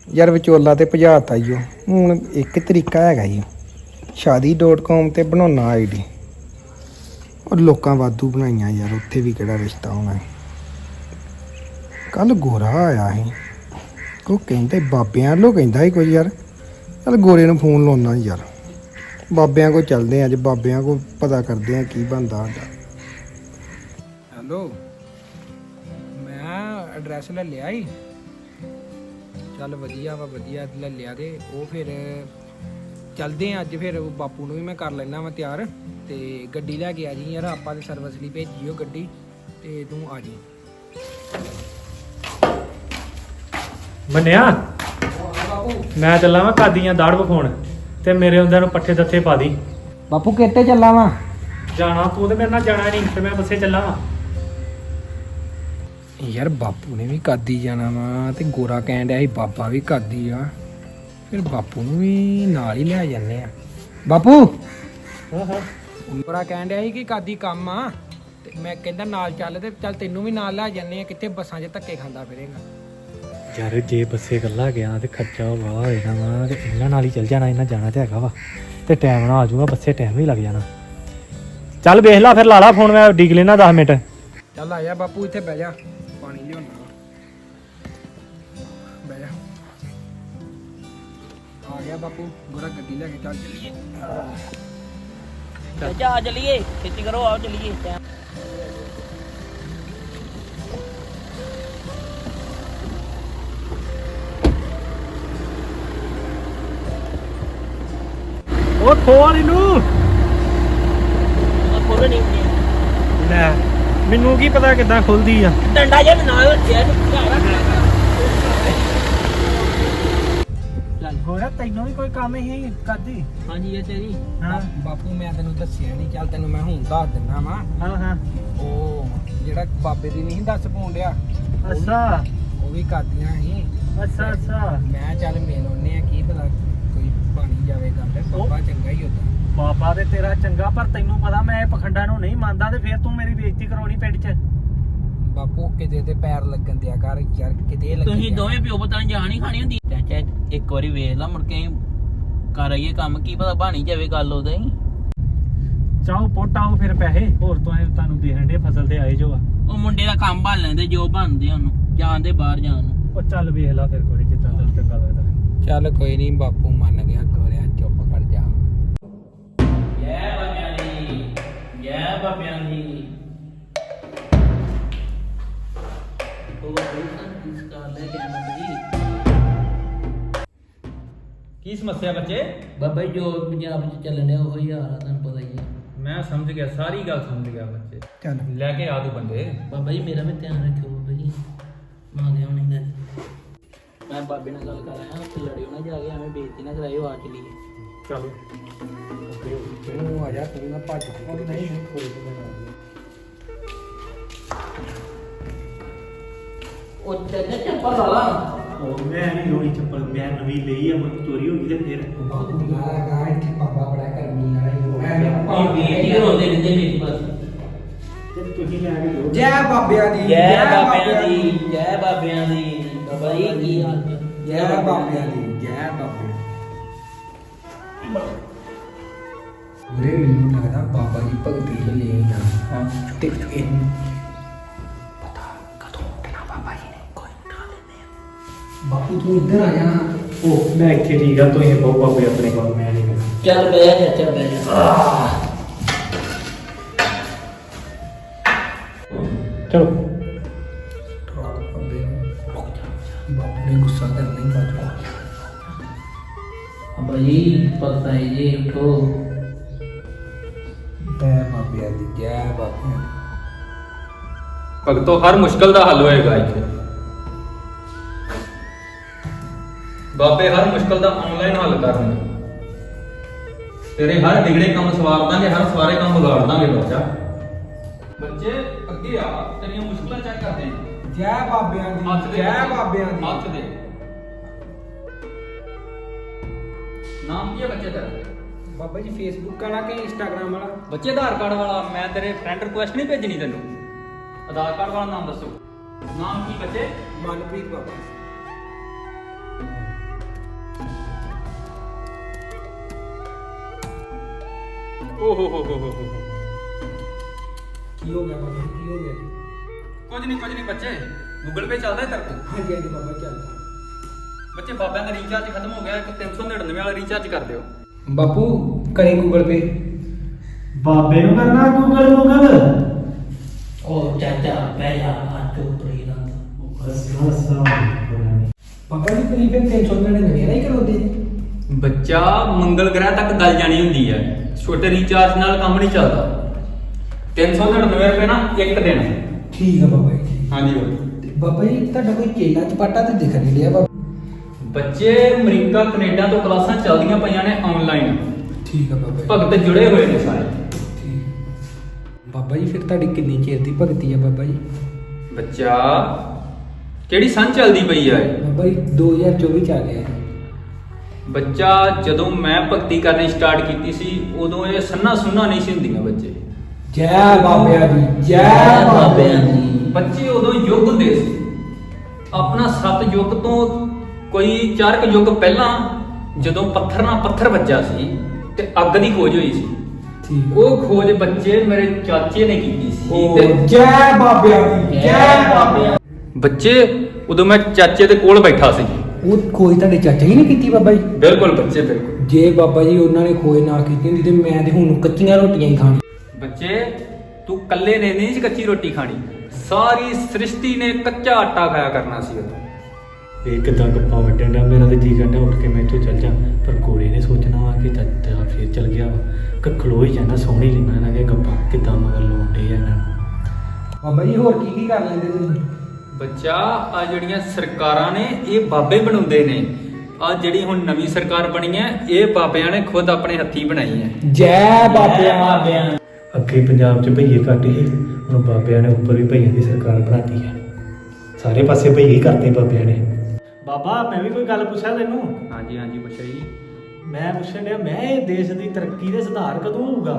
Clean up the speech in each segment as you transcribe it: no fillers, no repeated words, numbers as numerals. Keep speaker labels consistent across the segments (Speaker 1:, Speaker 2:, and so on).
Speaker 1: ਯਾਰ ਵਿਚੋਲਾ ਤੇ ਭਜਾਤਾ ਈ ਓ। ਹੁਣ ਇੱਕ ਤਰੀਕਾ ਹੈਗਾ ਜੀ, shaadi.com ਤੇ ਬਣਾਉਣਾ ਆਈਡੀ। ਔਰ ਲੋਕਾਂ ਵਾਧੂ ਬਣਾਈਆਂ ਯਾਰ, ਉੱਥੇ ਵੀ ਕਿਹੜਾ ਰਿਸ਼ਤਾ ਹੋਣਾ। ਕੱਲ ਗੋਰਾ ਆਇਆ ਸੀ, ਉਹ ਕਹਿੰਦੇ ਬਾਬਿਆਂ ਵੱਲੋਂ ਕਹਿੰਦਾ ਸੀ ਕੁਝ ਯਾਰ। ਚੱਲ ਗੋਰੇ ਨੂੰ ਫੋਨ ਲਾਉਣਾ ਯਾਰ, ਬਾਬਿਆਂ ਕੋਲ ਚੱਲਦੇ ਆ ਅੱਜ, ਬਾਬਿਆਂ ਕੋਲ ਪਤਾ ਕਰਦੇ ਆ ਕੀ ਬਣਦਾ ਸਾਡਾ। ਹੈਲੋ, ਮੈਂ ਐਡਰੈਸ ਲੈ ਲਿਆ ਸੀ। ਚੱਲ ਵਧੀਆ ਵਾ, ਵਧੀਆ ਲੈ ਲਿਆ। ਤੇ ਉਹ ਫਿਰ ਚੱਲਦੇ ਆ ਅੱਜ। ਫਿਰ ਬਾਪੂ ਨੂੰ ਵੀ ਮੈਂ ਕਰ ਲੈਣਾ ਵਾ ਤਿਆਰ, ਤੇ ਗੱਡੀ ਲੈ ਕੇ ਆ ਜੀ ਯਾਰ। ਆਪਾਂ ਤੇ ਸਰਵਿਸ ਲਈ ਭੇਜੀ ਉਹ ਗੱਡੀ, ਤੇ ਤੂੰ ਆ ਜੀ।
Speaker 2: ਮੰਨਿਆ ਮੈਂ ਚੱਲਾਂ ਵਾ ਕਾਦੀਆਂ ਦਾੜ ਵਿਖਾਉਣ, ਤੇ ਮੇਰੇ ਹੁੰਦਿਆਂ ਨੂੰ ਪੱਠੇ ਦੱਥੇ ਪਾ ਦੀ।
Speaker 1: ਬਾਪੂ ਕਿੱਥੇ ਚੱਲਾਂ ਵਾ?
Speaker 2: ਜਾਣਾ ਤੂੰ ਤੇ ਮੇਰੇ ਨਾਲ ਜਾਣਾ ਨਹੀਂ, ਤੇ ਮੈਂ ਬੱਸੇ ਚੱਲਾਂ ਵਾ।
Speaker 1: ਯਾਰ ਬਾਪੂ ਨੇ ਵੀ ਕਾਦੀ ਜਾਣਾ ਵਾ, ਤੇ ਗੋਰਾ ਕਹਿਣ ਡਿਆ ਸੀ ਬਾਬਾ ਵੀ ਕਾਦੀ ਆ। ਫਿਰ ਬਾਪੂ ਨੂੰ ਵੀ ਨਾਲ ਹੀ ਲੈ ਜਾਂਦੇ ਆ। ਬਾਪੂ ਗੋਰਾ ਕਹਿਣ ਡਿਆ ਸੀ ਕਿ ਕਾਦੀ ਕੰਮ ਆ, ਤੇ ਮੈਂ ਕਹਿੰਦਾ ਨਾਲ ਚੱਲ, ਤੇ ਚੱਲ ਤੈਨੂੰ ਵੀ ਨਾਲ ਲੈ ਜਾਂਦੇ ਆ। ਕਿੱਥੇ ਬੱਸਾਂ 'ਚ ਧੱਕੇ ਖਾਂਦਾ ਫਿਰੇਗਾ
Speaker 2: ਯਾਰ ਜੇ ਬੱਸੇ ਇਕੱਲਾ ਗਿਆ ਤੇ ਖਰਚਾ ਵਾਹ ਹੋ ਜਾਣਾ ਵਾ, ਤੇ ਇਹਨਾਂ ਨਾਲ ਹੀ ਚੱਲ ਜਾਣਾ। ਇਹਨਾਂ ਜਾਣਾ ਤੇ ਹੈਗਾ ਵਾ, ਤੇ ਟਾਈਮ ਨਾਲ ਆ ਜਾਊਗਾ, ਬੱਸੇ ਟਾਈਮ ਵੀ ਲੱਗ ਜਾਣਾ। ਚੱਲ ਵੇਖ ਲਾ ਫਿਰ, ਲਾ ਲਾ ਫੋਨ, ਮੈਂ ਡੀਕ ਲੈਣਾ 10 ਮਿੰਟ।
Speaker 1: ਚੱਲ ਆ ਜਾ ਬਾਪੂ, ਇੱਥੇ ਬਹਿ ਜਾ, ਪਾਣੀ ਲਿਆਉਣਾ। ਬਹਿ ਜਾ। ਆ ਗਿਆ ਬਾਪੂ, ਗੋਰਾ ਗੱਡੀ ਲੈ ਕੇ ਚੱਲ ਚੱਲੀਏ।
Speaker 3: ਜਾ ਚਲੀਏ, ਛੇਤੀ ਕਰੋ, ਆਓ ਚਲੀਏ।
Speaker 2: ਉਹ ਖੋਲ ਇਹਨੂੰ।
Speaker 3: ਖੋਲੋ ਨਹੀਂ,
Speaker 2: ਲੈ ਮੈਨੂੰ ਕੀ ਪਤਾ ਕਿੱਦਾਂ ਖੁੱਲਦੀ ਆ।
Speaker 3: ਡੰਡਾ ਜਿਹਾ ਨਾਲ ਰੱਖਿਆ ਚੱਲ।
Speaker 2: ਹੋਇਆ ਤੈਨੂੰ ਵੀ ਕੋਈ ਕੰਮ ਹੀ ਕਰਦੀ?
Speaker 3: ਹਾਂਜੀ ਇਹ ਤੇਰੀ।
Speaker 2: ਹਾਂ
Speaker 1: ਬਾਪੂ ਮੈਂ ਤੈਨੂੰ ਦੱਸਿਆ ਨਹੀਂ, ਚੱਲ ਤੈਨੂੰ ਮੈਂ ਹੁਣ ਦੱਸ ਦਿੰਦਾ ਵਾ।
Speaker 2: ਹਾਂ ਹਾਂ।
Speaker 1: ਉਹ ਜਿਹੜਾ ਬਾਬੇ ਦੀ ਨਹੀਂ ਦੱਸ ਪਾਉਣ ਡਿਆ,
Speaker 2: ਅੱਛਾ
Speaker 1: ਉਹ ਵੀ ਕਰਦੀਆਂ ਸੀ।
Speaker 2: ਅੱਛਾ ਅੱਛਾ।
Speaker 1: ਮੈਂ ਚੱਲ ਮਿਲ ਆਉਨੇ ਆ, ਕੀ ਪਤਾ ਕੋਈ ਬਣੀ ਜਾਵੇ ਗੱਲ। ਬਾਬਾ ਚੰਗਾ ਹੀ ਹੁੰਦਾ।
Speaker 2: ਬਾਬਾ ਤੇ ਤੇਰਾ ਚੰਗਾ, ਪਰ ਤੈਨੂੰ ਪਤਾ ਮੈਂ ਇਹ ਪਖੰਡਾਂ ਨੂੰ ਨਹੀਂ ਮੰਨਦਾ, ਤੇ ਫਿਰ ਤੂੰ ਮੇਰੀ ਬੇਇੱਜ਼ਤੀ ਕਰਾਉਣੀ ਪਿੰਡ 'ਚ।
Speaker 1: ਬਾਪੂ ਕਿਤੇ ਤੇ ਪੈਰ ਲੱਗਣ ਦਿਆ ਕਰ ਯਾਰ, ਕਿਤੇ ਲੱਗੇ।
Speaker 3: ਤੁਸੀਂ ਦੋਵੇਂ ਪਿਓ ਪੁੱਤਾਂ ਨੇ ਜਾਣ ਹੀ ਖਾਣੀ ਹੁੰਦੀ। ਚਾਚਾ ਇੱਕ ਵਾਰੀ ਵੇਖ ਲਾ, ਮੁੜ ਕੇ ਕਰ ਆਈਏ ਕੰਮ, ਕੀ ਪਤਾ ਬਣੀ ਜਾਵੇ ਗੱਲ ਉਹਦਾ ਹੀ।
Speaker 2: ਚਾਹੋ ਪੁੱਟ ਆਓ ਫਿਰ ਪੈਸੇ ਹੋਰ ਤੁਹਾਨੂੰ ਦੇਣ ਦੇ, ਫਸਲ ਤੇ ਆਏ ਜੋ ਆ।
Speaker 3: ਉਹ ਮੁੰਡੇ ਦਾ ਕੰਮ ਭਾਲ ਲੈਂਦੇ, ਜੋ ਬਣਦੇ ਉਹਨੂੰ ਜਾਣ ਦੇ ਬਾਹਰ ਜਾਣ ਨੂੰ।
Speaker 2: ਉਹ ਚੱਲ ਵੇਖ ਲਾ ਫਿਰ ਕੋਈ, ਜਿੱਦਾਂ ਤੈਨੂੰ ਚੰਗਾ ਲੱਗਦਾ।
Speaker 1: ਚੱਲ ਕੋਈ ਨਹੀਂ ਬਾਪੂ, ਮੰਨ ਗਿਆ ਗੋਰਿਆ, ਚੁੱਪ ਕਰ ਜਾ।
Speaker 3: ਜੈ ਬਾਬਿਆਂ ਦੀ, ਜੈ ਬਾਬਿਆਂ ਦੀ।
Speaker 4: ਕੀ ਸਮੱਸਿਆ ਬੱਚੇ?
Speaker 3: ਬਾਬਾ ਜੀ ਜੋ ਪੰਜਾਬ 'ਚ ਚੱਲਣ ਡਿਆ ਉਹ ਹੀ ਹਾਲ ਆ, ਤੁਹਾਨੂੰ ਪਤਾ ਹੀ ਆ।
Speaker 4: ਮੈਂ ਸਮਝ ਗਿਆ, ਸਾਰੀ ਗੱਲ ਸਮਝ ਗਿਆ ਬੱਚੇ।
Speaker 1: ਚੱਲ
Speaker 4: ਲੈ ਕੇ ਆ ਤੂੰ ਬੰਦੇ।
Speaker 3: ਬਾਬਾ ਜੀ ਮੇਰਾ ਵੀ ਧਿਆਨ ਰੱਖਿਓ ਬਾਬਾ ਜੀ, ਮੰਗਦੇ ਹੋਣੀ ਨਾ। ਮੈਂ ਬਾਬੇ ਨਾਲ ਗੱਲ ਕਰ ਆਇਆ, ਉੱਥੇ ਲੜਿਓ ਨਾ ਜਾ ਕੇ, ਐਵੇਂ ਬੇਇੱਜ਼ਤੀ ਨਾ ਕਰਾਇਓ, ਆ ਚਲੀਏ।
Speaker 2: ਚਲੋ
Speaker 1: ਤੂੰ ਆ ਜਾ, ਤੂੰ ਨਾ ਭੱਜ। ਨਹੀਂ ਕੋਈ
Speaker 3: ਉਹ ਚਾਚਾ ਚੱਪਲ ਲਾ ਲਾ।
Speaker 2: ਉਹ ਮੈਂ ਨਹੀਂ ਲੋੜੀ ਚੱਪਲ, ਮੈਂ ਨਵੀਂ ਲਈ ਆ, ਹੁਣ ਚੋਰੀ ਹੋ ਗਈ ਤੇ ਫਿਰ
Speaker 1: ਬਾਪੂ ਗਾ ਇੱਥੇ ਬਾਬਾ ਬੜਾ ਕਰਮੀ ਵਾਲਾ ਹੀ ਹੋਇਆ।
Speaker 3: ਇਹ ਬੇਇੱਜ਼ਤੀ ਕਰਾਉਂਦੇ ਰਹਿੰਦੇ ਮੇਰੀ ਬਸ।
Speaker 2: ਤੇ ਤੁਸੀਂ ਲੈ ਕੇ ਦਿਓ।
Speaker 1: ਜੈ ਬਾਬਿਆਂ ਦੀ,
Speaker 3: ਜੈ ਬਾਬਿਆਂ ਦੀ, ਜੈ ਬਾਬਿਆਂ ਦੀ। ਬਾਬਾ ਜੀ ਕੀ ਹਾਲ ਹੈ?
Speaker 1: ਜੈ ਬਾਬਿਆਂ ਦੀ, ਜੈ ਬਾਬਿਆਂ ਦੀ। ਵੀਰੇ ਮੈਨੂੰ ਲੱਗਦਾ ਬਾਬਾ ਜੀ ਭਗਤੀ ਚ ਲੈ ਨਾ। ਹਾਂ ਤੇ ਇਹਨੂੰ ਪਤਾ ਕਦੋਂ ਉੱਠਣਾ ਬਾਬਾ ਜੀ ਨੇ। ਕੋਈ ਉਠਾ ਲੈਂਦੇ ਆ। ਬਾਪੂ ਤੂੰ ਇੱਧਰ ਆ ਜਾ।
Speaker 2: ਉਹ ਮੈਂ ਇੱਥੇ ਠੀਕ ਆ, ਤੁਸੀਂ ਬਹੁਤ ਬਾਬੇ ਆਪਣੇ ਕੋਲ, ਮੈਂ ਨਹੀਂ ਕਰਨਾ।
Speaker 3: ਚੱਲ ਬਹਿ ਜਾ ਚਾਚਾ, ਬਹਿ ਜਾ।
Speaker 2: ਚਲੋ
Speaker 1: ਬਾਪੂ ਨੇ ਗੁੱਸਾ ਕਰਨਾ ਹੀ ਬਾਜੂ।
Speaker 3: ਬਾਬਾ ਜੀ ਪਤਾ ਹੈ ਜੀ, ਉਠੋ।
Speaker 1: ਜੈ ਬਾਬਿਆਂ ਦੀ, ਜੈ ਬਾਬਿਆਂ ਦੀ।
Speaker 4: ਭਗਤੋ ਹਰ ਮੁਸ਼ਕਲ ਦਾ ਹੱਲ ਹੋਏਗਾ ਇੱਥੇ। ਬਾਬੇ ਹਰ ਮੁਸ਼ਕਲ ਦਾ ਆਨਲਾਈਨ ਹੱਲ ਕਰਨਗੇ। ਤੇਰੇ ਹਰ ਵਿਗੜੇ ਕੰਮ ਸਵਾਰ ਦਾਂਗੇ, ਹਰ ਸਵਾਰੇ ਕੰਮ ਵਿਗਾੜ ਦਾਂਗੇ ਬੱਚਾ। ਬੱਚੇ ਅੱਗੇ ਆ, ਤੇਰੀਆਂ ਮੁਸ਼ਕਲਾਂ ਚੈੱਕ ਕਰਦੇ ਹਾਂ।
Speaker 1: ਜੈ ਬਾਬਿਆਂ
Speaker 4: ਹੱਥ
Speaker 1: ਦੀ,
Speaker 4: ਦੇ
Speaker 1: ਜੈ ਬਾਬਿਆਂ ਦੀ।
Speaker 4: ਹੱਥ ਦੇ। ਨਾਮ ਕੀ ਹੈ ਬੱਚੇ ਦਾ?
Speaker 1: ਬਾਬਾ ਜੀ ਫੇਸਬੁੱਕ ਵਾਲਾ ਕਿ ਇੰਸਟਾਗ੍ਰਾਮ ਵਾਲਾ?
Speaker 4: ਬੱਚੇ ਆਧਾਰ ਕਾਰਡ ਵਾਲਾ। ਮੈਂ ਤੇਰੇ ਫਰੈਂਡ ਰਿਕੁਐਸਟ ਨਹੀਂ ਭੇਜਣੀ ਤੈਨੂੰ। ਆਧਾਰ ਕਾਰਡ ਵਾਲਾ ਨਾਮ ਦੱਸੋ। ਨਾਮ ਕੀ ਬੱਚੇ?
Speaker 1: ਮਨਪ੍ਰੀਤ ਬਾਬਾ।
Speaker 4: ਓ ਹੋ ਹੋ
Speaker 1: ਕੀ ਹੋ ਗਿਆ ਬਾਬਾ ਕੀ ਹੋ ਗਿਆ?
Speaker 4: ਕੁਝ ਨਹੀਂ ਬੱਚੇ, ਗੂਗਲ ਪੇ ਚੱਲਦਾ ਤੇਰੇ ਕੋਲ?
Speaker 1: ਹਾਂਜੀ ਹਾਂਜੀ ਬਾਬਾ ਚੱਲਦਾ।
Speaker 4: ਬੱਚੇ ਬਾਬਿਆਂ ਦਾ ਰੀਚਾਰਜ ਖਤਮ ਹੋ ਗਿਆ, ਇੱਕ 399 ਵਾਲਾ ਰੀਚਾਰਜ ਕਰ ਦਿਓ।
Speaker 1: ਬਾਪੂ ਕਰੇ ਗੂਗਲ ਪੇ।
Speaker 2: ਬਾਬੇ ਨੂੰ ਕਰਨਾ ਗੂਗਲ
Speaker 3: ਉਹ ਚਾਚਾ ਪਹਿਲਾ ਹੱਥ ਉੱਪਰੀ ਨਾ
Speaker 1: ਬਾਬਾ ਜੀ ਕਰੀ ਫਿਰ 399 ਨਹੀਂ ਕਰੋਦੇ ਜੀ?
Speaker 4: ਬੱਚਾ ਮੰਗਲ ਗ੍ਰਹਿ ਤੱਕ ਗੱਲ ਜਾਣੀ ਹੁੰਦੀ ਹੈ, ਛੋਟੇ ਰੀਚਾਰਜ ਨਾਲ ਕੰਮ ਨਹੀਂ ਚੱਲਦਾ। 399 ਰੁਪਏ ਨਾ ਇੱਕ ਦਿਨ।
Speaker 1: ਠੀਕ ਆ ਬਾਬਾ ਜੀ।
Speaker 4: ਹਾਂਜੀ ਬਾਬਾ।
Speaker 1: ਤੇ ਬਾਬਾ ਜੀ ਤੁਹਾਡਾ ਕੋਈ ਚੇਲਾ ਚਪਾਟਾ ਤੇ ਦਿਖ ਨਹੀਂ ਰਿਹਾ ਬਾਬਾ।
Speaker 4: ਬੱਚੇ ਅਮਰੀਕਾ ਕੈਨੇਡਾ ਤੋਂ ਕਲਾਸਾਂ ਚੱਲਦੀਆਂ ਪਈਆਂ ਨੇ ਆਨਲਾਈਨ।
Speaker 1: ਠੀਕ ਆ ਬਾਬਾ ਜੀ।
Speaker 4: ਭਗਤ ਜੁੜੇ ਹੋਏ ਨੇ ਸਾਰੇ।
Speaker 1: ਠੀਕ। ਬਾਬਾ ਜੀ ਫਿਰ ਤੁਹਾਡੀ ਕਿੰਨੀ ਚਿਰ ਦੀ ਭਗਤੀ ਆ ਬਾਬਾ ਜੀ?
Speaker 4: ਬੱਚਾ ਕਿਹੜੀ ਸੰਨ ਚੱਲਦੀ ਪਈ ਆ ਇਹ?
Speaker 1: ਬਾਬਾ ਜੀ 2024 ਚ ਆ ਗਿਆ।
Speaker 4: ਬੱਚਾ ਜਦੋਂ ਮੈਂ ਭਗਤੀ ਕਰਨੀ ਸਟਾਰਟ ਕੀਤੀ ਸੀ ਉਦੋਂ ਇਹ ਸੰਨਾ ਸੁੰਨਾ ਨਹੀਂ ਸੀ ਹੁੰਦੀਆਂ ਬੱਚੇ।
Speaker 1: ਜੈ ਬਾਬਿਆਂ ਦੀ ਜੈ ਬਾਬਿਆਂ ਦੀ।
Speaker 4: ਬੱਚੇ ਉਦੋਂ ਯੁੱਗ ਹੁੰਦੇ ਸੀ। ਆਪਣਾ 7 ਯੁੱਗ ਤੋਂ ਕੋਈ 4 ਯੁੱਗ ਪਹਿਲਾਂ ਜਦੋਂ ਪੱਥਰ ਨਾਲ ਪੱਥਰ ਵੱਜਾ ਸੀ ਤੇ ਅੱਗ ਦੀ ਖੋਜ ਹੋਈ ਸੀ।
Speaker 1: ਠੀਕ।
Speaker 4: ਉਹ ਖੋਜ ਬੱਚੇ ਮੇਰੇ ਚਾਚੇ ਨੇ ਕੀਤੀ ਸੀ
Speaker 1: ਉਹ ਜੈ ਬਾਬਿਆਂ ਦੀ ਜੈ ਬਾਬਿਆਂ।
Speaker 4: ਬੱਚੇ ਉਦੋਂ ਮੈਂ ਚਾਚੇ ਦੇ ਕੋਲ ਬੈਠਾ ਸੀ।
Speaker 1: ਉਹ ਖੋਜ ਤੁਹਾਡੇ ਚਾਚਾ ਜੀ ਨੇ ਕੀਤੀ ਬਾਬਾ ਜੀ?
Speaker 4: ਬਿਲਕੁਲ ਬੱਚੇ ਬਿਲਕੁਲ।
Speaker 1: ਜੇ ਬਾਬਾ ਜੀ ਉਹਨਾਂ ਨੇ ਖੋਜ ਨਾ ਕੀਤੀ ਹੁੰਦੀ ਤੇ ਮੈਂ ਤੇ ਹੁਣ ਕੱਚੀਆਂ ਰੋਟੀਆਂ ਹੀ ਖਾਣੀ।
Speaker 4: ਬੱਚੇ ਤੂੰ ਕੱਲੇ ਨੇ ਨਹੀਂ ਕੱਚੀ ਰੋਟੀ ਖਾਣੀ, ਸਾਰੀ ਸ੍ਰਿਸ਼ਟੀ ਨੇ ਕੱਚਾ ਆਟਾ ਖਾਇਆ ਕਰਨਾ ਸੀ ਉਦੋਂ।
Speaker 2: ਇਹ ਕਿੱਦਾਂ ਗੱਪਾਂ ਵੱਢਣ ਡਿਆ, ਮੇਰਾ ਤੇ ਜੀ ਕਰਦਾ ਉੱਠ ਕੇ ਮੈਂ ਇੱਥੋਂ ਚੱਲ ਜਾ, ਪਰ ਕੋਲੇ ਨੇ ਸੋਚਣਾ ਵਾ ਕਿ ਚਾਚਾ ਫੇਰ ਚੱਲ ਗਿਆ ਵਾ। ਖਲੋ ਹੀ ਜਾਂਦਾ, ਸੋਹਣੀ ਲੈਣਾ ਇਹਨਾਂ ਦੀਆਂ ਗੱਪਾਂ ਕਿੱਦਾਂ ਮਗਰ ਲਾਉਂਦੇ ਆ ਇਹਨਾਂ ਨੂੰ।
Speaker 1: ਬਾਬਾ ਜੀ ਹੋਰ ਕੀ ਕਰ ਲੈਂਦੇ ਤੁਸੀਂ?
Speaker 4: ਬੱਚਾ ਆ ਜਿਹੜੀਆਂ ਸਰਕਾਰਾਂ ਨੇ ਇਹ ਬਾਬੇ ਬਣਾਉਂਦੇ ਨੇ। ਆ ਜਿਹੜੀ ਹੁਣ ਨਵੀਂ ਸਰਕਾਰ ਬਣੀ ਹੈ ਇਹ ਬਾਬਿਆਂ ਨੇ ਖੁਦ ਆਪਣੇ ਹੱਥੀਂ ਬਣਾਈ ਹੈ।
Speaker 1: ਜੈ ਬਾਬਿਆਂ।
Speaker 2: ਅੱਗੇ ਪੰਜਾਬ 'ਚ ਭਈਏ ਘੱਟ ਸੀ, ਹੁਣ ਬਾਬਿਆਂ ਨੇ ਉੱਪਰ ਵੀ ਭਈਆਂ ਦੀ ਸਰਕਾਰ ਬਣਾਤੀ ਹੈ। ਸਾਰੇ ਪਾਸੇ ਭਈਏ ਕਰਤੇ ਬਾਬਿਆਂ ਨੇ। ਬਾਬਾ ਮੈਂ ਵੀ ਕੋਈ ਗੱਲ ਪੁੱਛਾਂ ਤੈਨੂੰ?
Speaker 4: ਹਾਂਜੀ ਹਾਂਜੀ ਬੱਚਾ ਜੀ।
Speaker 2: ਮੈਂ ਪੁੱਛਣ ਡਿਆ, ਮੈਂ ਇਹ ਦੇਸ਼ ਦੀ ਤਰੱਕੀ ਦੇ ਸੁਧਾਰ ਕਦੋਂ ਹੋਊਗਾ?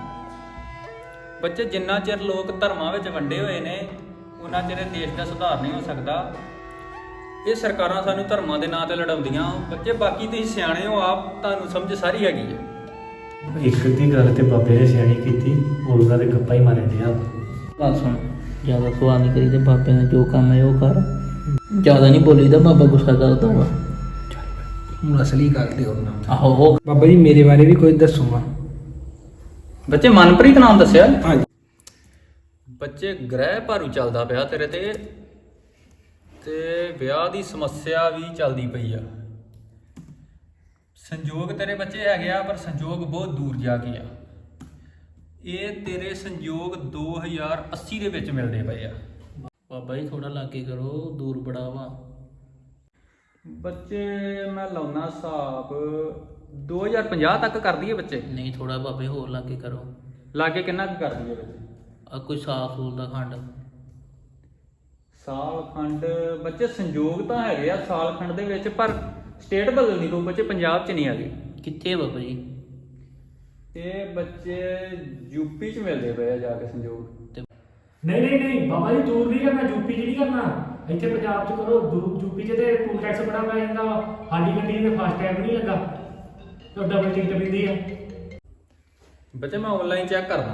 Speaker 4: ਬੱਚੇ ਜਿੰਨਾ ਚਿਰ ਲੋਕ ਧਰਮਾਂ ਵਿੱਚ ਵੰਡੇ ਹੋਏ ਨੇ ਉਹਨਾਂ ਚਿਰ ਇਹ ਦੇਸ਼ ਦਾ ਸੁਧਾਰ ਨਹੀਂ ਹੋ ਸਕਦਾ। ਇਹ ਸਰਕਾਰਾਂ ਸਾਨੂੰ ਧਰਮਾਂ ਦੇ ਨਾਂ ਤੇ ਲੜਾਉਂਦੀਆਂ। ਬੱਚੇ ਬਾਕੀ ਤੁਸੀਂ ਸਿਆਣੇ ਹੋ, ਆਪ ਤੁਹਾਨੂੰ ਸਮਝ ਸਾਰੀ ਹੈਗੀ ਹੈ।
Speaker 2: ਇੱਕ ਦੀ ਗੱਲ ਤੇ ਬਾਬੇ ਨੇ ਸਿਆਣੀ ਕੀਤੀ, ਉਹਦਾ ਤੇ ਗੱਪਾ ਹੀ ਮਾਰੇ ਦਿਆ।
Speaker 3: ਗੱਲ ਸੁਣ, ਜ਼ਿਆਦਾ ਸਵਾਲ ਨਹੀਂ ਕਰੀਦੇ, ਬਾਬੇ ਨੇ ਜੋ ਕੰਮ ਹੈ ਉਹ ਕਰ। ਜ਼ਿਆਦਾ ਨਹੀਂ ਬੋਲੀਦਾ, ਬਾਬਾ ਗੁੱਸਾ ਕਰਦਾ ਵਾ।
Speaker 1: ਹੁਣ ਅਸਲੀ ਗੱਲ ਤੇ ਉਹਨਾਂ।
Speaker 3: ਆਹੋ
Speaker 1: ਬਾਬਾ ਜੀ ਮੇਰੇ ਬਾਰੇ ਵੀ ਕੋਈ ਦੱਸੋ।
Speaker 4: ਬੱਚੇ ਮਨਪ੍ਰੀਤ ਨਾਮ ਦੱਸਿਆ?
Speaker 1: ਹਾਂਜੀ।
Speaker 4: ਬੱਚੇ ਗ੍ਰਹਿ ਭਾਰੂ ਚੱਲਦਾ ਪਿਆ ਤੇਰੇ ਤੇ ਵਿਆਹ ਦੀ ਸਮੱਸਿਆ ਵੀ ਚੱਲਦੀ ਪਈ ਆ। ਸੰਜੋਗ ਤੇਰੇ ਬੱਚੇ ਹੈਗੇ ਆ ਪਰ ਸੰਜੋਗ ਬਹੁਤ ਦੂਰ ਜਾ ਕੇ ਆ। ਇਹ ਤੇਰੇ ਸੰਜੋਗ 2080 ਦੇ ਵਿੱਚ ਮਿਲਦੇ ਪਏ ਆ।
Speaker 3: ਬਾਬਾ ਜੀ ਥੋੜਾ ਲਾਗੇ ਕਰੋ, ਦੂਰ ਬੜਾ ਵਾ।
Speaker 4: ਬੱਚੇ ਮੈਂ ਲਾਉਣਾ ਹਿਸਾਬ 2050 ਤੱਕ ਕਰ ਦਈਏ ਬੱਚੇ?
Speaker 3: ਨਹੀਂ ਥੋੜਾ ਬਾਬੇ ਹੋਰ ਲਾਗੇ ਕਰੋ।
Speaker 4: ਲਾਗੇ ਕਿੰਨਾ ਕੁ ਕਰ ਦਈਏ ਬੱਚੇ?
Speaker 3: ਆ ਕੋਈ ਸਾਫ ਸੂਲ ਦਾ ਖੰਡ।
Speaker 4: ਸਾਲ ਖੰਡ ਬੱਚੇ ਸੰਜੋਗ ਤਾਂ ਹੈਗੇ ਆ ਸਾਲ ਖੰਡ ਦੇ ਵਿੱਚ, ਪਰ ਸਟੇਟ ਬਦਲਣੀ ਪਊ ਬੱਚੇ, ਪੰਜਾਬ 'ਚ ਨਹੀਂ ਹੈਗੇ।
Speaker 3: ਕਿੱਥੇ ਬਾਬਾ ਜੀ?
Speaker 4: ਇਹ ਬੱਚੇ ਯੂਪੀ 'ਚ ਮਿਲਦੇ ਪਏ ਆ ਜਾ ਕੇ ਸੰਜੋਗ।
Speaker 2: ਨਹੀਂ ਬਾਬਾ ਜੀ ਦੂਰ ਨਹੀਂ ਕਰਨਾ, ਯੂਪੀ 'ਚ ਨਹੀਂ ਕਰਨਾ, ਇੱਥੇ ਪੰਜਾਬ 'ਚ ਕਰੋ। ਯੂਪੀ 'ਚ ਤੇ ਟੂਲ ਟੈਕਸ ਬੜਾ ਪੈ ਜਾਂਦਾ ਵਾ, ਸਾਡੀ ਗੱਡੀ ਤੇ ਫਾਸਟ ਟੈਗ ਨਹੀਂ ਲੱਗਾ ਤੇ ਡਬਲ ਟਿਕਟ ਪੈਂਦੀ ਆ।
Speaker 4: ਬੱਚੇ ਮੈਂ ਆਨਲਾਈਨ ਚੈੱਕ ਕਰਦਾ।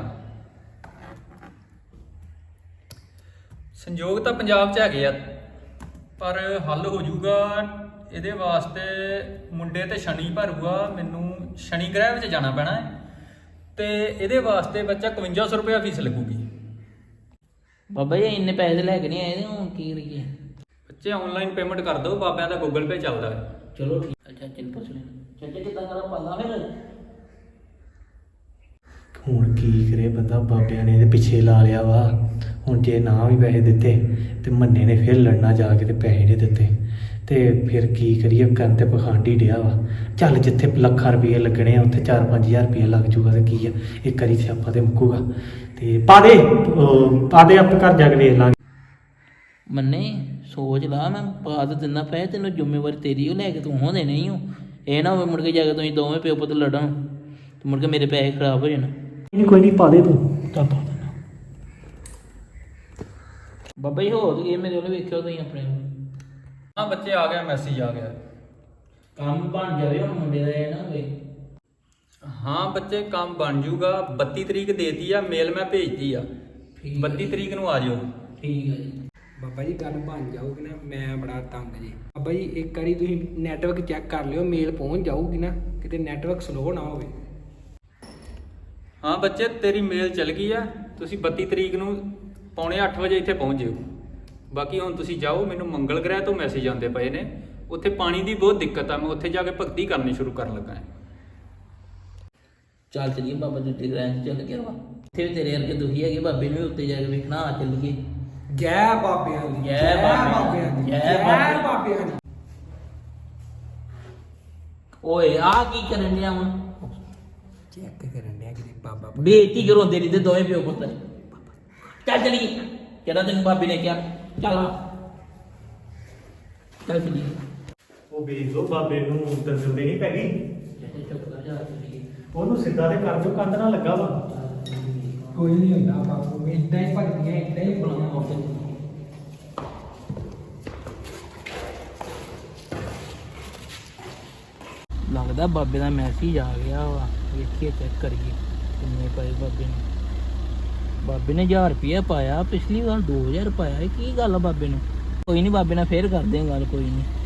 Speaker 4: ਸੰਜੋਗ ਤਾਂ ਪੰਜਾਬ 'ਚ ਹੈਗੇ ਆ ਪਰ ਹੱਲ ਹੋ ਜਾਊਗਾ। ਇਹਦੇ ਵਾਸਤੇ ਮੁੰਡੇ ਤੇ ਸ਼ਨੀ ਭਰੂਗਾ, ਮੈਨੂੰ ਸ਼ਨੀ ਗ੍ਰਹਿ ਵਿੱਚ ਜਾਣਾ ਪੈਣਾ ਹੈ ਤੇ ਇਹਦੇ ਵਾਸਤੇ ਬੱਚਾ 5100 ਰੁਪਇਆ ਫੀਸ ਲੱਗੂਗੀ।
Speaker 3: ਬਾਬਾ ਜੀ ਇੰਨੇ ਪੈਸੇ ਲੈ ਕੇ ਨਹੀਂ ਆਏ ਤੇ ਹੁਣ ਕੀ ਕਰੀਏ?
Speaker 4: ਬੱਚੇ ਆਨਲਾਈਨ ਪੇਮੈਂਟ ਕਰ ਦਿਓ, ਬਾਬਿਆਂ ਦਾ ਗੂਗਲ ਪੇ ਚੱਲਦਾ ਹੈ।
Speaker 3: ਚਲੋ ਠੀਕ ਹੈ, ਚਾਚੇ ਨੂੰ ਪੁੱਛ ਲੈਣਾ। ਚਾਚਾ ਕਿੱਦਾਂ ਕਰਾਂ ਪਾਲਾ ਫਿਰ?
Speaker 2: ਹੁਣ ਕੀ ਕਰੇ ਬੰਦਾ, ਬਾਬਿਆਂ ਨੇ ਇਹਦੇ ਪਿੱਛੇ ਲਾ ਲਿਆ ਵਾ। ਹੁਣ ਜੇ ਨਾ ਵੀ ਪੈਸੇ ਦਿੱਤੇ ਤੇ ਮੰਨੇ ਨੇ ਫਿਰ ਲੜਨਾ ਜਾ ਕੇ ਤੇ ਪੈਸੇ ਨਹੀਂ ਦਿੱਤੇ ਤੇ ਫਿਰ ਕੀ ਕਰੀਏ, ਕਰਨ ਤੇ ਪਖੰਡ ਹੀ ਡਿਆ ਵਾ। ਚੱਲ ਜਿੱਥੇ ਲੱਖਾਂ ਰੁਪਏ ਲੱਗਣੇ ਆ ਉੱਥੇ 4-5000 ਰੁਪਏ ਲੱਗ ਜੂਗਾ ਤੇ ਕੀ ਆ, ਇੱਕ ਵਾਰੀ ਸਿਆਪਾ ਤੇ ਮੁੱਕੂਗਾ। ਤੇ ਪਾ ਦੇ ਆਪ ਘਰ ਜਾ ਕੇ ਵੇਖ ਲਾਂਗੇ।
Speaker 3: ਮੰਨੇ ਸੋਚ ਲਾ, ਮੈਂ ਪਾ ਤਾਂ ਦਿੰਦਾ ਪੈਸੇ, ਤੈਨੂੰ ਜ਼ਿੰਮੇਵਾਰੀ ਤੇਰੀ ਉਹ ਲੈ ਕੇ ਤੂੰ ਹੋਣੇ ਨਹੀਂ ਹੋ। ਇਹ ਨਾ ਹੋਵੇ ਮੁੜ ਕੇ ਜਾ ਕੇ ਤੁਸੀਂ ਦੋਵੇਂ ਪਿਓ ਪੁੱਤ ਲੜਨ ਤੇ ਮੁੜ ਕੇ ਮੇਰੇ ਪੈਸੇ ਖਰਾਬ ਹੋ ਜਾਣ।
Speaker 2: ਕੋਈ ਨਹੀਂ ਪਾ ਦੇ ਤੂੰ। ਚੱਲ ਪਾ ਦੇ।
Speaker 3: ਬਾਬਾ ਜੀ ਹੋ ਗਏ ਮੇਰੇ ਵੱਲ ਵੇਖਿਓ ਤੁਸੀਂ ਆਪਣੇ।
Speaker 4: ਹਾਂ ਬੱਚੇ ਆ ਗਿਆ, ਮੈਸੇਜ ਆ ਗਿਆ।
Speaker 3: ਕੰਮ ਬਣ ਜਾਵੇ ਹੁਣ ਮੁੰਡੇ ਦਾ, ਇਹ ਨਾ ਹੋਵੇ।
Speaker 4: ਹਾਂ ਬੱਚੇ ਕੰਮ ਬਣ ਜੂਗਾ। 32 ਤਰੀਕ ਦੇਤੀ ਆ, ਮੇਲ ਮੈਂ ਭੇਜਤੀ ਆ। 32 ਤਰੀਕ ਨੂੰ ਆ ਜਿਓ।
Speaker 3: ਠੀਕ ਹੈ ਜੀ।
Speaker 1: ਬਾਬਾ ਜੀ ਗੱਲ ਬਣ ਜਾਊਗੀ ਨਾ, ਮੈਂ ਬੜਾ ਤੰਗ ਜੀ। ਬਾਬਾ ਜੀ ਇੱਕ ਵਾਰੀ ਤੁਸੀਂ ਨੈਟਵਰਕ ਚੈੱਕ ਕਰ ਲਿਓ, ਮੇਲ ਪਹੁੰਚ ਜਾਊਗੀ ਨਾ, ਕਿਤੇ ਨੈਟਵਰਕ ਸਲੋ ਨਾ ਹੋਵੇ।
Speaker 4: ਹਾਂ ਬੱਚੇ ਤੇਰੀ ਮੇਲ ਚਲ ਗਈ ਆ। ਤੁਸੀਂ 32 ਤਰੀਕ ਨੂੰ ਪੌਣੇ 8 ਵਜੇ ਇੱਥੇ ਪਹੁੰਚ ਜਿਓ। ਬਾਕੀ ਹੁਣ ਤੁਸੀਂ ਜਾਓ, ਮੈਨੂੰ ਮੰਗਲ ਗ੍ਰਹਿ ਤੋਂ ਮੈਸੇਜ ਆਉਂਦੇ ਪਏ ਨੇ, ਉੱਥੇ ਪਾਣੀ ਦੀ ਬਹੁਤ ਦਿੱਕਤ ਆ। ਮੈਂ ਉੱਥੇ ਜਾ ਕੇ ਭਗਤੀ ਕਰਨੀ ਸ਼ੁਰੂ ਕਰਨ ਲੱਗਾ ਹਾਂ।
Speaker 3: ਚੱਲ ਚਲੀਏ ਬਾਬਾ ਜੁੱਤੀ ਗ੍ਰੈਂਡ ਚੱਲ ਗਿਆ ਵਾ। ਇੱਥੇ ਵੀ ਤੇਰੇ ਵਰਗੇ ਦੁਖੀ ਹੈਗੇ, ਬਾਬੇ ਨੂੰ ਵੀ ਉੱਤੇ ਜਾ ਕੇ ਵੇਖਣਾ। ਆ ਚੱਲੀਏ।
Speaker 1: ਜੈ ਬਾਬਿਆਂ ਦੀ,
Speaker 3: ਜੈ ਬਾਬਿਆਂ ਦੀ, ਜੈ
Speaker 1: ਬਾਬਿਆਂ ਦੀ।
Speaker 3: ਓਏ ਆ ਕੀ ਕਰਨ ਡਿਆ ਵਾ?
Speaker 1: ਚੈੱਕ ਕਰਨ ਡਿਆ ਕਿਤੇ ਬਾਬਾ
Speaker 3: ਬੇਇੱਜ਼ਤੀ ਕਰਾਉਂਦੇ ਨਹੀਂ ਤੇ ਦੋਵੇਂ ਪਿਓ ਪੁੱਤ। ਚੱਲ ਚਲੀਏ। ਕਿਹੜਾ ਤੈਨੂੰ ਬਾਬੇ ਨੇ ਕਿਹਾ? ਚੱਲ ਆ। ਚੱਲ ਚਲੀਏ।
Speaker 2: ਉਹ ਵੇਖ ਲੋ ਬਾਬੇ ਨੂੰ ਦੰਦਲ ਦੇ ਨਹੀਂ ਪੈ ਗਈ।
Speaker 3: ਚੁੱਪ ਕਰ ਜਾ, ਚਲੀਏ।
Speaker 2: ਉਹਨੂੰ ਸਿੱਧਾ ਤੇ ਕਰ ਦਿਓ, ਕੰਧ ਨਾਲ ਲੱਗਾ ਵਾ।
Speaker 1: ਕੋਈ ਨਹੀਂ ਹੁੰਦਾ ਬਾਪੂ, ਇਦਾਂ ਹੀ ਭੱਜਦੀਆਂ, ਇਦਾਂ ਹੀ ਬੁਲਾਉਣਾ ਉੱਥੇ।
Speaker 3: ਲੱਗਦਾ ਬਾਬੇ ਦਾ ਮੈਸੇਜ ਆ ਗਿਆ ਵਾ। ਵੇਖੀਏ ਚੈੱਕ ਕਰੀਏ ਕਿੰਨੇ ਪਏ ਬਾਬੇ ਨੇ। ਬਾਬੇ ਨੇ 1000 ਰੁਪਇਆ ਪਾਇਆ, ਪਿਛਲੀ ਵਾਰ 2000 ਪਾਇਆ। ਇਹ ਕੀ ਗੱਲ ਆ ਬਾਬੇ ਨੂੰ? ਕੋਈ ਨਹੀਂ, ਬਾਬੇ ਨਾਲ ਫੇਰ ਕਰਦੇ ਹਾਂ ਗੱਲ, ਕੋਈ ਨਹੀਂ।